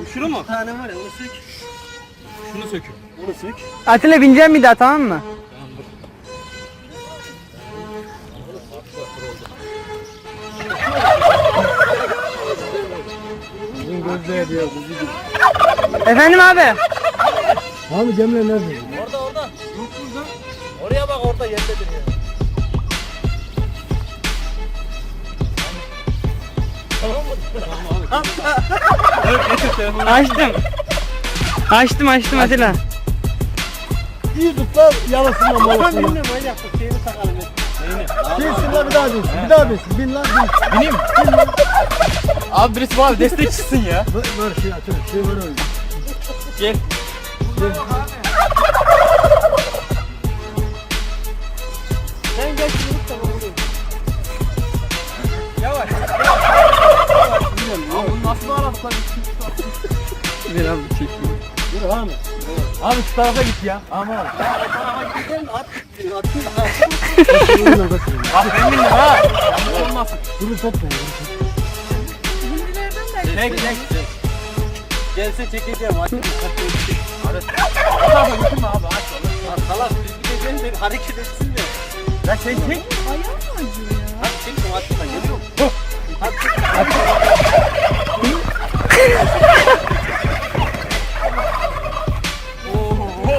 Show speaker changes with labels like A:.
A: Şunu mu?
B: Bir tane var ya onu sök.
A: Şunu sökün.
B: Onu sök.
C: Atilla bineceğim bir daha, tamam mı?
B: Bizim gözler diyor.
C: Efendim abi.
B: Abi Cemre nerede?
A: Orada. Yok burada. Oraya bak, orada yerdedir ya. Tamam mı? Evet, getir telefonu.
C: Açtım Atilla.
B: İyi tut lan yalasınla malasınla.
A: Bilmiyorum manyak, şeyini takalım. Neyini?
B: Binsin lan bir daha binsin. Bir daha binsin. Bin lan bin.
A: Bineyim mi? Abi birisi bana destek çıksın ya.
B: Ver şey atın. Şey ver öyle.
A: Gel.
B: Sen geç yürü tamam oğlum.
A: Yavaş. Abi bunu nasıl aradık?
C: Bir abi çekeyim.
B: Yürü abi.
A: Abi şu tarafa git ya. Ama abi. Bak ben bindim ha. Yanlış olmasın.
B: Yürü topla.
A: Çek.
B: Gelse çekeceğim. Aç.
A: Abi. O tarafa götürme abi. Aç.
B: Salak biz gideceğiz de hareket etsin de.
A: Ya sen çek.
D: Ayağım mı acıyor ya?